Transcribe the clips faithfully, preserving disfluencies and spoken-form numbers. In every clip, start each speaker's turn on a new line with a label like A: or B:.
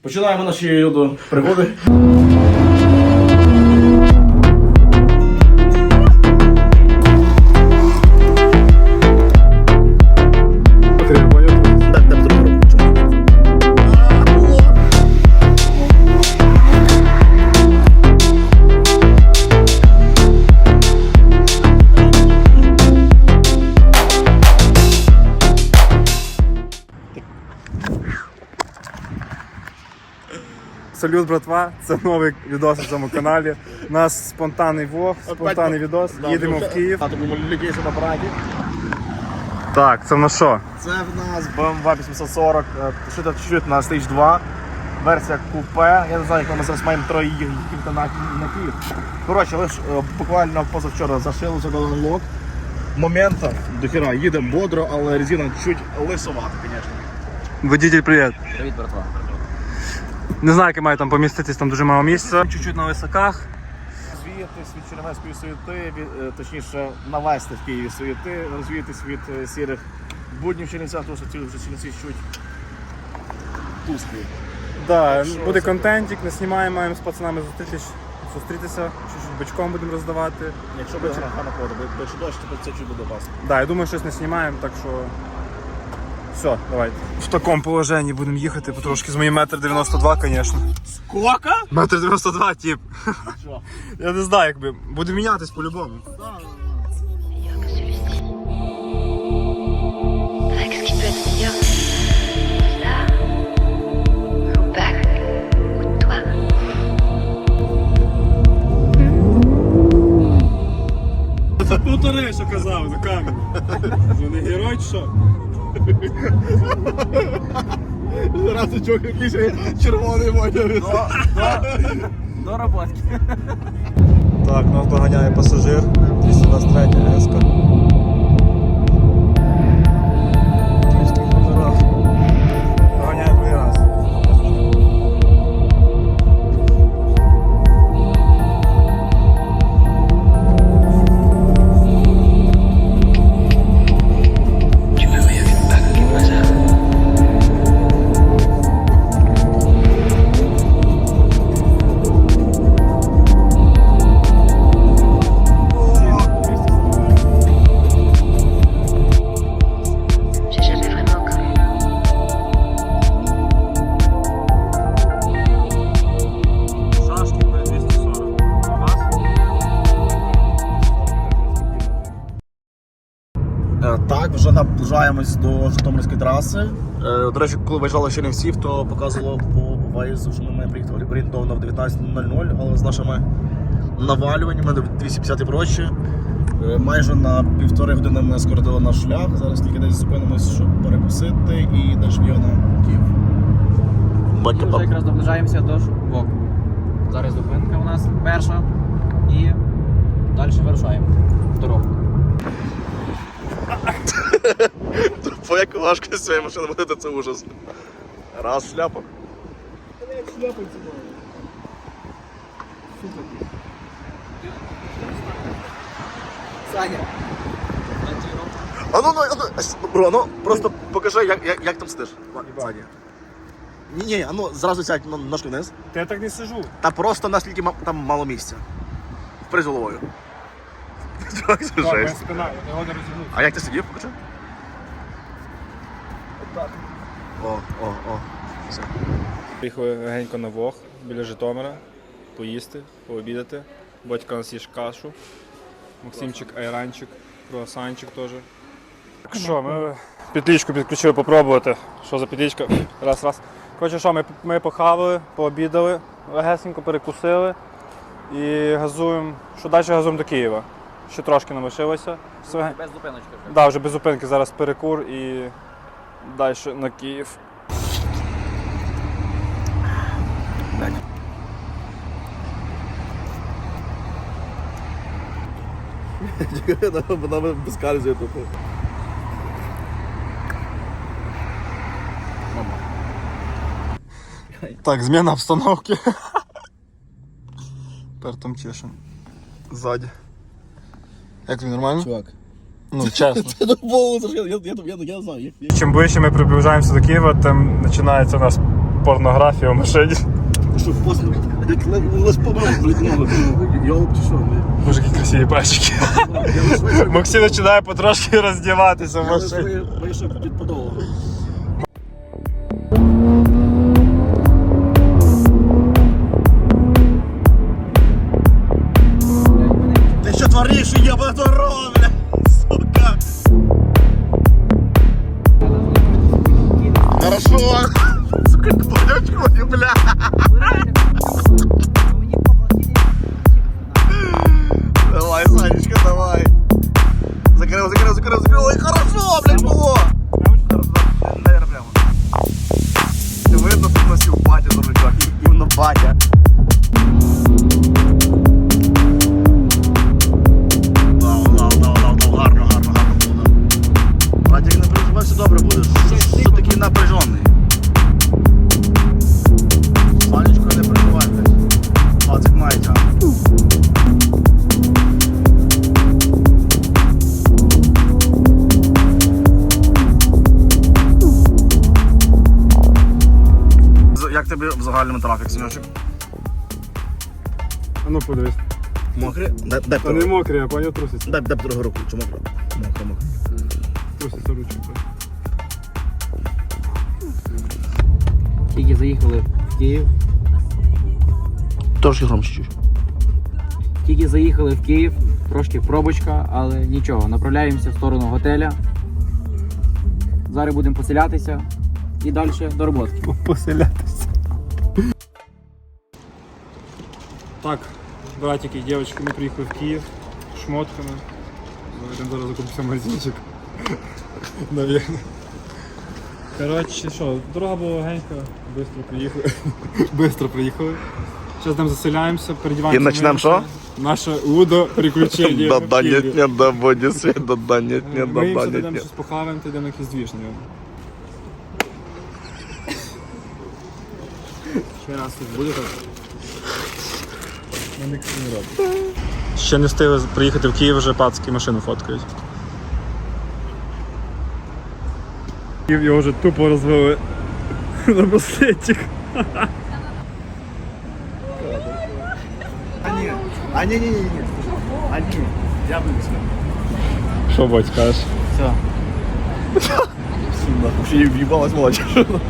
A: Починаємо наші пригоди.
B: Салют, братва, це новий відос на цьому каналі. У нас спонтанний влог, спонтанний відос. Їдемо в Київ. Так, це в нас що?
A: Це в нас бе ем ве вісімсот сорок, шита чуть-чуть на стейдж два, версія купе. Я не знаю, як ми зараз маємо троє їхати на, на Київ. Коротше, лише буквально позавчора зашили, задали лок. Момента до хіра, їдемо бодро, але резина чуть лисовата, звісно.
B: Водитель, привіт.
A: Привіт, братва.
B: Не знаю, як я маю там поміститись, там дуже мало місця. Чуть-чуть на високах.
A: Розвіятись від чернівецької суєти, від, точніше навести в Києві суєти, розвіятись від е, сірих буднів Чернівця, тому що ці вже Чернівці чуть тусклі.
B: Да,
A: Що
B: буде
A: це?
B: контентик, не знімаємо, маємо з пацанами зустрітись, зустрітися, чуть-чуть бочком будемо роздавати.
A: Якщо буде гарна погода, бо якщо дощ, то це чуть буде опасно.
B: Да, я думаю, щось не знімаємо, так що все, давайте. В такому положенні будемо їхати потрошки з моїм метр дев'яносто два, звісно.
A: Скока?
B: Метр дев'яносто два, тип.
A: Що?
B: Я не знаю, якби. Буде мінятись по-любому.
C: que celui-ci. Qu'est-ce qui peut être meilleur? Ça ou Bach ou toi?
B: Повтори, що казав за камеру. Ви не герой чи що?
A: Раз чувак якийсь червоний водяний.
D: До роботки.
B: Так, нас доганяє пасажир. двісті двадцять три еска. Доганяє другий раз.
C: Tu m'as vu avec Bach au hasard. J'ai jamais vraiment cru.
B: Шашки по двісті сорок. А вас?
A: Так, вже наближаємось до Житомирської траси. Е, До речі, коли виїжджали з Чернівців, то показувало по виїзду, що ми маємо приїхати орієнтовно в дев'ятнадцять нуль нуль, але з нашими навалюваннями двісті п'ятдесят і прочі. Е, Майже на півтори години ми скоротили наш шлях. Зараз тільки десь зупинимось, щоб перекусити і далі в на Київ.
D: Ми вже якраз наближаємося до Шубоку. Зараз зупинка у нас перша і далі вирушаємо в дорогу.
A: По як важко з цієї машини водити, це ужас. Раз шляпа.
D: Саня.
A: А ну, ну, ну, бро, ну просто покажи, як, як, як там сидиш. Саня. Ні, ні, а ну зразу сядь на ножки вниз.
B: Та я так не сижу.
A: Та просто наскільки ма- там мало місця. Впри з головою. Чувак, це
B: Моя
A: жесть.
B: спина, я його не розігнув.
A: А як ти сидів, покажи? О, о, о. Все.
B: Приїхали легенько на Вог біля Житомира, поїсти, пообідати. Батько у нас їж кашу, Максимчик айранчик, круасанчик теж. Так що, ми петличку підключили попробувати. Що за петличка? Раз, раз. Коротше, що, ми, ми похавали, пообідали, легесенько перекусили і газуємо, що далі газуємо до Києва. Ще трошки нам лишилося. Все.
D: Без зупиночки вже.
B: Да, вже без зупинки, зараз перекур і далі на Київ.
A: Вона безкарзує тут.
B: Так, зміна обстановки. Тепер там чешем. Ззаді. Як тобі, нормально?
A: Чувак.
B: Ну, чесно.
A: Це довго, я, я, я, я, я не знаю, як, як.
B: Чим ближче ми приближаємося до Києва, тим починається у нас порнографія в машині.
A: Що, пост, як лиш помилок, блядь, нових. Йолоп чи що, блядь?
B: Боже, які красиві пальчики. Максим починає потрошки роздіватися в
A: Я лиш
B: машині.
A: вийшов під подолу. Ти що твориш, єба дорога, блядь, сука? Хорошо. Сука, блядь, бля. Давай, Санечка, давай. Закрыл, закрыл, закрыл, закрыл. Ой, хорошо, блядь, было. Наверное, прямо. Ты видно, что носил батя за рычаг. Именно батя. Дав, дав, дав, дав, дав. Гарно, гарно, гарно було. Братик, не переживай, все добре буде. Що такий напряжений? Санечка, не переживай, блядь. Братик має тягнути. Як тобі в загальному трафік, Синьочок?
B: А ну подивись.
A: Мокрі? Дай, дай,
B: Та не мокрі, а пані труситься.
A: дай, дай другу руку, чи мокро? Мокро, мокро.
B: Труситься ручку.
D: Тільки заїхали в Київ.
A: Трошки громче чуть.
D: Тільки заїхали в Київ, трошки пробочка, але нічого. Направляємося в сторону готеля. Зараз будемо поселятися і далі до роботи.
B: Поселятися. Так, братики і дівчатки, ми приїхали в Київ шмотками. Йдемо зараз закупимося в магазинчик. Навірно. Коротше, що, дорога була легенька, швидко приїхали. Швидко приїхали. Зараз там заселяємося, передіваємося.
A: І почнемо що?
B: Наше удо приключення.
A: Да-да, нет, нет, да, боді світ, да-да, нет, нет,
B: Ми
A: да-да,
B: їм
A: нет,
B: йдемо
A: нет.
B: щось похаваємо, та йдемо якийсь двіж, наверное. Ще раз тут буде так? Ну, ніхто не робить. Ще не встигли приїхати в Київ, вже пацки машину фоткають. Київ його вже тупо розвели на браслетик.
A: А ні, а ні, ні, ні, ні. А ні, я вивіз.
B: Що, Бодь, скажеш?
D: Все.
A: Ще й в'їбалась молодь.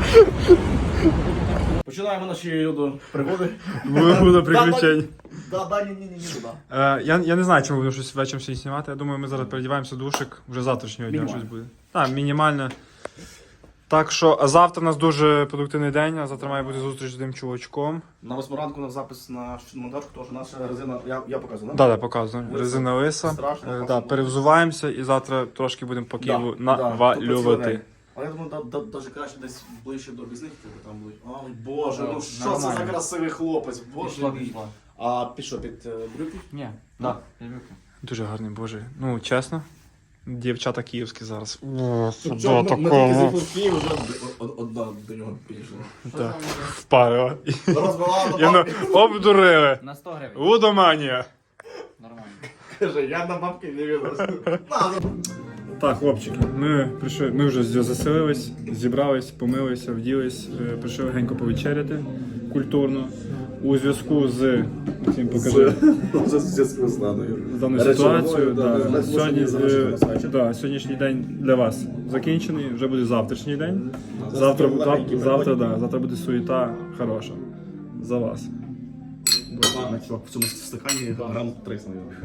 A: Починаємо наші пригоди.
B: Буде приключень.
A: Да, да, ні, ні, ні, ні, да.
B: Е, я, я не знаю, чому будемо щось вечором сьогодні знімати. Я думаю, ми зараз передіваємося в душик, вже завтрашнього дня
A: Мінімально.
B: щось буде. Так, мінімально. Так що, а завтра у нас дуже продуктивний день, а завтра має бути зустріч з одним чувачком.
A: На восьму ранку на запис на монтаж, тому що наша резина, я, я показую, да?
B: Так, так, показую.
A: Лиса.
B: Резина лиса.
A: Страшно,
B: Е,
A: класно.
B: да, перевзуваємося і завтра трошки будемо по Києву навалювати.
A: Але я думаю, да, да, даже краще десь ближче до обізних, типу там будуть. Ой, боже, ну що це
D: Нормально.
A: за красивий хлопець, боже
D: Пішло,
A: мій.
D: пішло.
A: А під що, під е, брюки?
D: Ні, так.
B: Дуже гарний, боже. Ну, чесно. Дівчата київські зараз. О,
A: Чого,
B: сюди
A: ми- Ми тільки
B: такого.
A: зайшли в Київ, вже од- одна до нього підійшла.
B: Так, впарила.
A: Розбила
B: І ну, обдурили.
D: На сто гривень.
B: Лудоманія.
D: Нормально.
A: Каже, я на бабки не відносив.
B: Так, хлопчики, ми прийшли, ми вже заселились, зібрались, помилися, вділись, е, прийшли легенько повечеряти культурно. У зв'язку з Максим, покажи,
A: Це зв'язку з даною.
B: з даною
A: Речовиною,
B: ситуацією.
A: да,
B: Да,
A: да,
B: Сьогодні,
A: можна залишити
B: е,
A: на сайті.
B: да, сьогоднішній день для вас закінчений, вже буде завтрашній день.
A: Да,
B: Завтра,
A: завтра
B: завтра,
A: легенький
B: завтра,
A: приходь.
B: да, завтра буде суєта хороша. За вас.
A: Ладно, чувак, в цьому стакані грам триста, мабуть.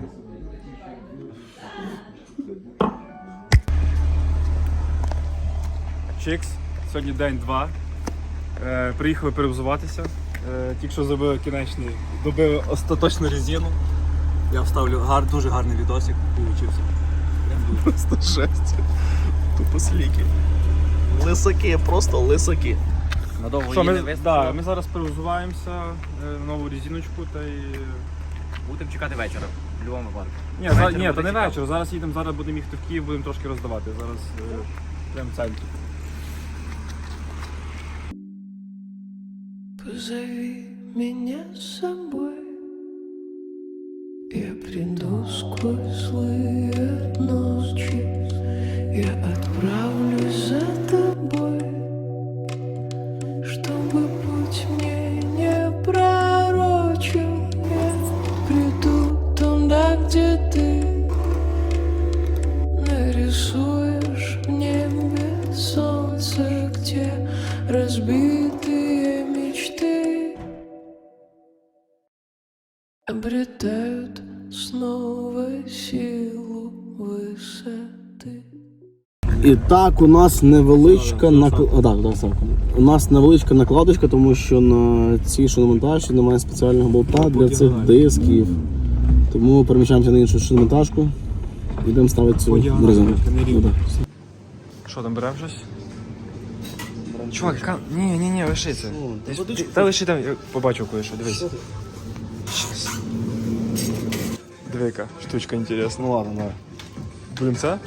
B: Чикс, сьогодні день два. Е, приїхали перевзуватися. Е, тільки що зробили кінечний, добили остаточну резину. Я вставлю гар, дуже гарний відосик, получився.
A: Просто жесть. Тупо сліки. Лисаки, просто лисаки.
D: Надовго
B: Що,
D: її
B: ми,
D: не
B: да,
D: вистачило.
B: ми зараз перевзуваємося е, нову резиночку та й.
D: Будемо чекати вечора. В будь-якому випадку.
B: Ні,
D: Вечір
B: за, ні,
D: буде
B: то не
D: цікаво.
B: вечір. Зараз їдемо, зараз будемо їхати в Київ, будемо трошки роздавати. Зараз е, прямо в центрі.
E: Позови меня с собой, я приду сквозь злые ночи, я отправлюсь за тобой, чтобы обретают снова силу высоты.
A: І так, у нас невеличка накладочка. Так, так, так. У нас невеличка накладочка, тому що на цій шиномонтажці немає спеціального болта для цих дисків. Тому переміщаємося на іншу шиномонтажку і йдемо ставити цю резину.
B: Що там, беремо щось? Чувак, яка... Ні, ні, ні, лиши це. Ти- Та лиши там, я побачив кое-що, дивись. Щас. Диви, яка штучка інтересна.
A: Ну ладно, давай.
B: Блін, це?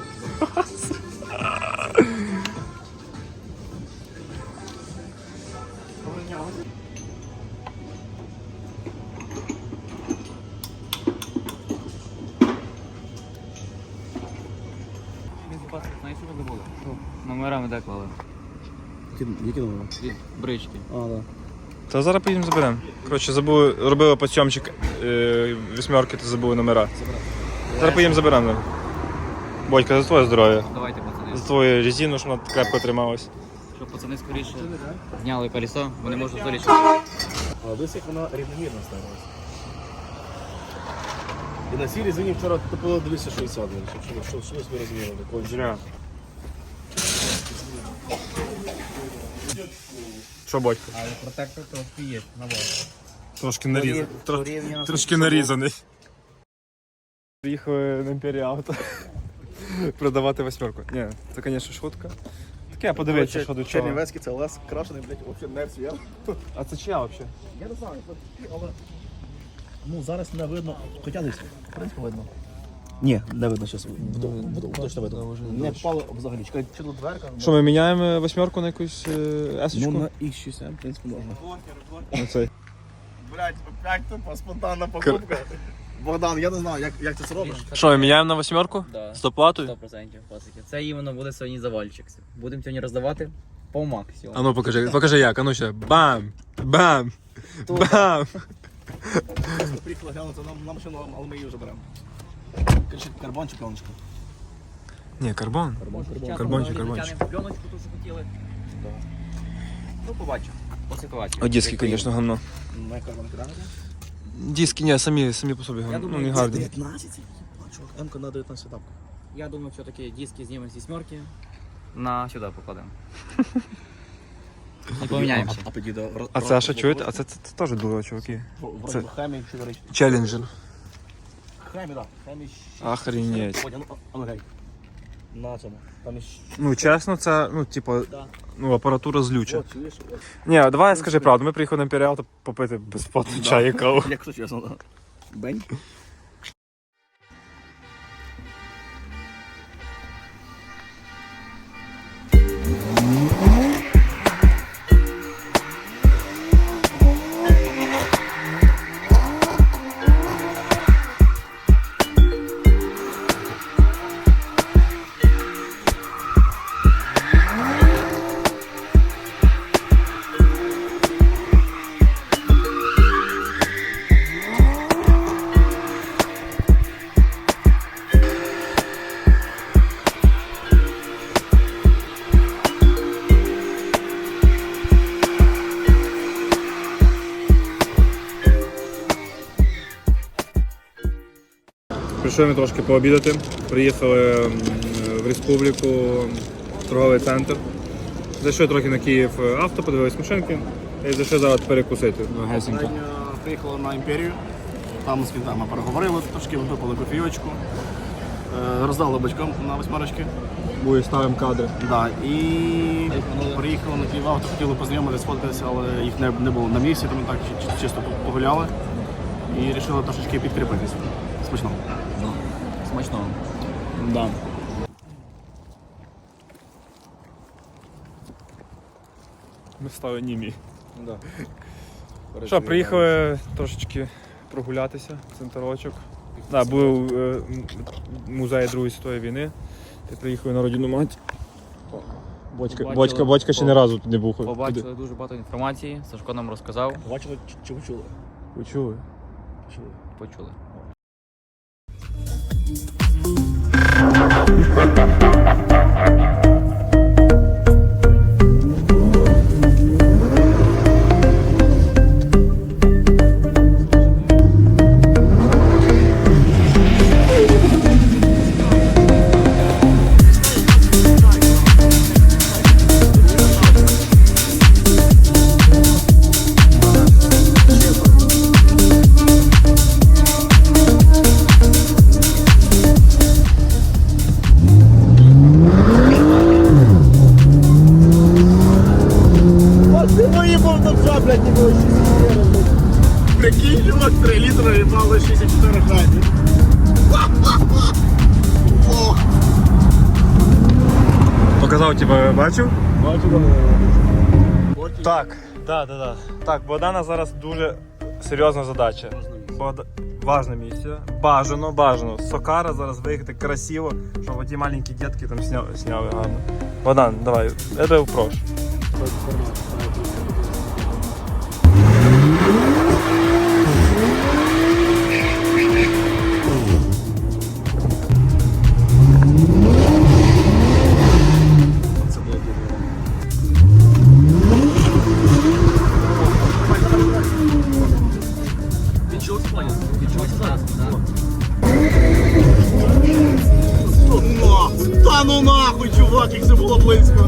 D: Знаєш, що забули? Номерами де клали?
A: Які номери?
D: Від брички.
A: А, так.
B: Та зараз поїдемо заберемо. Коротше, забули, робили подсьомчик е, вісьмерки, то забули номера. Зараз поїдемо заберемо. Бодька, за твоє здоров'я.
D: Давайте, пацани.
B: За твою резину, щоб вона крепко трималась.
D: Щоб пацани скоріше зняли колесо, вони можуть залічити.
A: А десь як вона рівномірно ставилася. І на цій резині вчора топило двісті шістдесят, щоб що собі розмірили.
B: Зря. Що, Бодька?
D: Але протектор трошки є, на вас.
B: Трошки нарізаний.
D: Порівняно з
B: Трошки нарізаний. Приїхали на Імперія Авто продавати восьмерку. Ні, це, звісно, шутка. Таке, подивитися, що до чого.
A: Чернівецький це лес крашений, блядь, взагалі не цвіт.
B: А це чия взагалі?
A: Я не знаю, але... Ну, зараз не видно, хоча десь, в принципі, видно. Ні, не видно зараз. Точно видно. Не впало взагалі. Чекай, чи тут дверка?
B: Що, ми міняємо восьмерку на якусь е, есочку?
A: Ну, на ікс шість ем, в принципі, можна.
B: На цей.
A: Блядь, опять тупо спонтанна покупка. Богдан, я не знаю, як, як ти це робиш.
B: Що, ми міняємо на восьмерку?
D: Да.
B: З доплатою?
D: сто відсотків пасики. Це іменно буде сьогодні завальчик. Будемо сьогодні роздавати по максимуму.
B: А ну покажи, покажи як, а ну ще. Бам! Бам! Бам!
A: Приїхали глянути на, на машину, але ми її вже беремо. Кричить, карбон чи пленочка?
B: Ні, карбон.
D: Карбончик,
B: Карбончик, карбончик.
D: Пленочку теж хотіли. Ну, побачимо. По ситуації.
B: О, диски, звісно, гамно.
A: На карбон кидати?
B: Диски, ні, самі, самі по собі гамно. Ну,
D: думаю,
B: не
D: це
B: гарні.
A: дев'ятнадцять? Чувак, М-ка на дев'ятнадцять тапка.
D: Я думаю, все-таки диски знімемо з вісьмерки. На сюди покладемо. І поміняємося.
A: А підійде...
B: А це що, чуєте? А це, це, це теж дуло, чуваки.
A: Вроді
B: це-
A: би Хемі чи речі.
B: Челленджер.
A: Хемі, так. Хемі
B: Охренеть.
A: Ой, а ну, а ну, гей. На цьому. Там іще...
B: Ну, чесно, це, ну, типу,
D: Да.
B: ну, апаратура злюча.
A: О, чуєш?
B: Ні, давай скажи правду, ми приїхали на Імперіал то попити безплатно чай і каву.
A: Якщо чесно, да. Бень.
B: Прийшли ми трошки пообідати. Приїхали м, в республіку, в торговий центр. Зайшли трохи на Київ авто, подивились машинки і зайшли зараз перекусити. Ну, гесенько.
A: Приїхали на Імперію. Там з кінтами переговорили, трошки випили кофійочку. Е, Роздали батькам на восьмерочки.
B: Буде ставимо кадри.
A: Да, і приїхали на Київ авто, хотіли познайомитися, сфоткатися, але їх не, не було на місці, тому так чи- чисто погуляли. І вирішили трошечки підкріпитись. Смачного.
D: Смачного.
B: Да. Ми стали німі.
A: Да.
B: Що, приїхали трошечки прогулятися, центрочок. Да, був е, м- музей Другої світової війни. Ти приїхали на родину мать. Бочка,
D: Побачили-
B: бочка, бочка ще не разу тут не був.
D: Побачили дуже багато інформації, Сашко нам розказав.
A: Бачили чи, чи ви чули?
B: Ви чули?
A: Чули.
D: Почули.
A: Прикинь, чувак, три літри і мало шістдесят чотири гривні.
B: Показав, тебе бачив?
A: Бачу,
B: Так, так, так, так. Так, Богдана зараз дуже серйозна задача. Богда... Важна місія. Бажано, бажано. Сокара зараз виїхати красиво, щоб оті маленькі дітки там сняли, сняли гарно. Богдан, давай, я тебе прошу.
A: Та ну нахуй, чувак, як це було близько.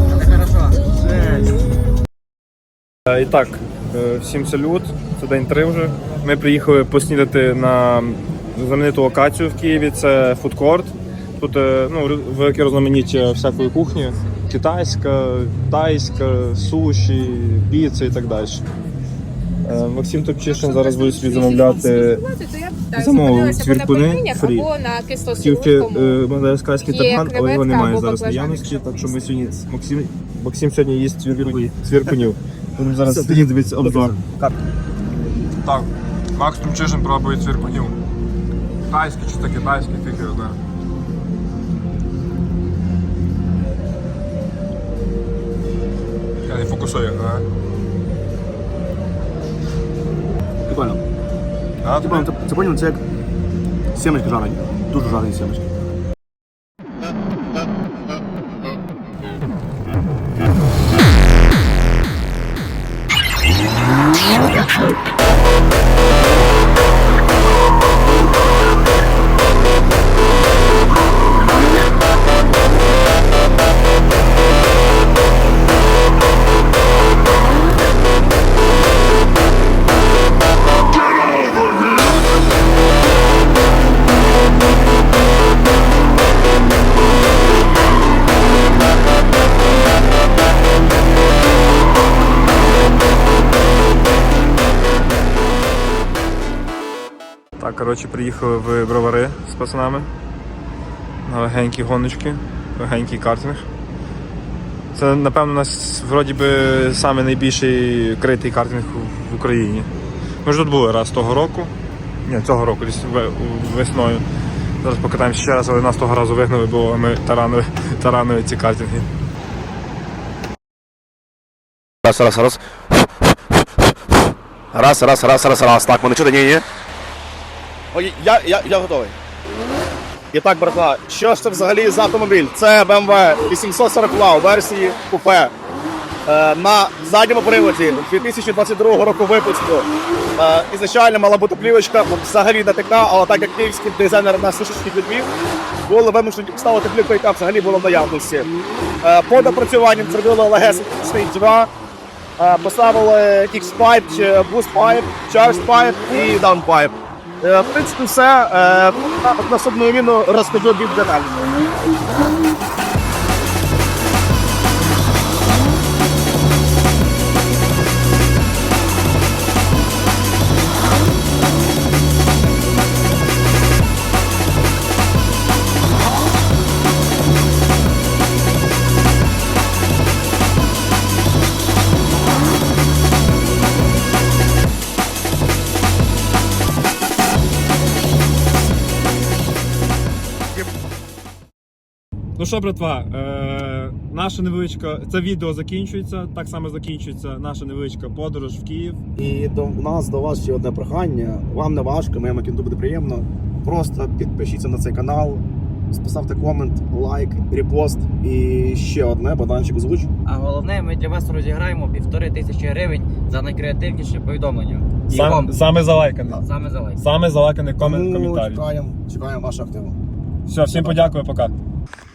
B: І так, е, всім салют, це день три вже. Ми приїхали поснідати на знамениту локацію в Києві, це фудкорт. Тут е, ну, велике різноманіття всякої кухні. Китайська, тайська, суші, піци і так далі. Е, Максим Топчишин зараз буде собі замовляти замовив цвіркуни фрі.
F: або на
B: Тільки
F: кисло-солодкому.
B: мадагаскарський
F: Є
B: тарган, але його
F: креветка
B: немає
F: або
B: зараз
F: баклажани.
B: наявності, так що ми сьогодні Максим, Максим сьогодні їсть цвіркунів. цвіркунів. Будемо зараз сидіти дивитися обзор. Так, Макс Тумчишин пробує цвіркунів. Тайський чи то китайський, фіг його знає. Я не фокусую, а?
A: Прикольно.
B: А,
A: Типа, це, це поняв, це як сімечки жарені. Дуже жарені сімечки.
B: Так, коротше, приїхали в Бровари з пацанами на легенькі гоночки, легенький картинг. Це, напевно, у нас вроді би самий найбільший критий картинг в Україні. Ми ж тут були раз того року. Ні, цього року, десь весною. Зараз покатаємося ще раз, але нас того разу вигнали, бо ми таранили, таранили ці картинги.
A: Раз, раз, раз. Раз, раз, раз, раз, раз. Так, мене чути? Ні, ні. Ой, я, я, я готовий. І так, братва, що ж це взагалі за автомобіль? Це бе ем ве вісімсот сорок ла у версії купе. Е, на задньому приводі дві тисячі двадцять другого року випуску. Е, ізначально мала бути плівочка, взагалі не така, але так як київський дизайнер на сушечки підвів, були вимушені поставити плівку, яка взагалі була в наявності. Е, по допрацюванням зробили легесенький два. Е, поставили X-Pipe, Boost Pipe, Charge Pipe і Down Pipe. Е, в принципі, все. Е, на наступну відміну розкажу більш детально.
B: Ну що, братва, е, наша невеличка, це відео закінчується, так само закінчується наша невеличка подорож в Київ.
A: І до нас, до вас ще одне прохання. Вам не важко, моєму кінту буде приємно. Просто підпишіться на цей канал, поставте комент, лайк, репост і ще одне, Богданчик озвуч.
D: А головне, ми для вас розіграємо півтори тисячі гривень за найкреативніше повідомлення. І
B: Сам,
D: вам
B: саме залайканий.
D: саме за лайк.
B: Саме залайканий комент,
A: Тому
B: коментарі.
A: чекаємо, чекаємо вашу активу.
B: Все, всім подякую, пока.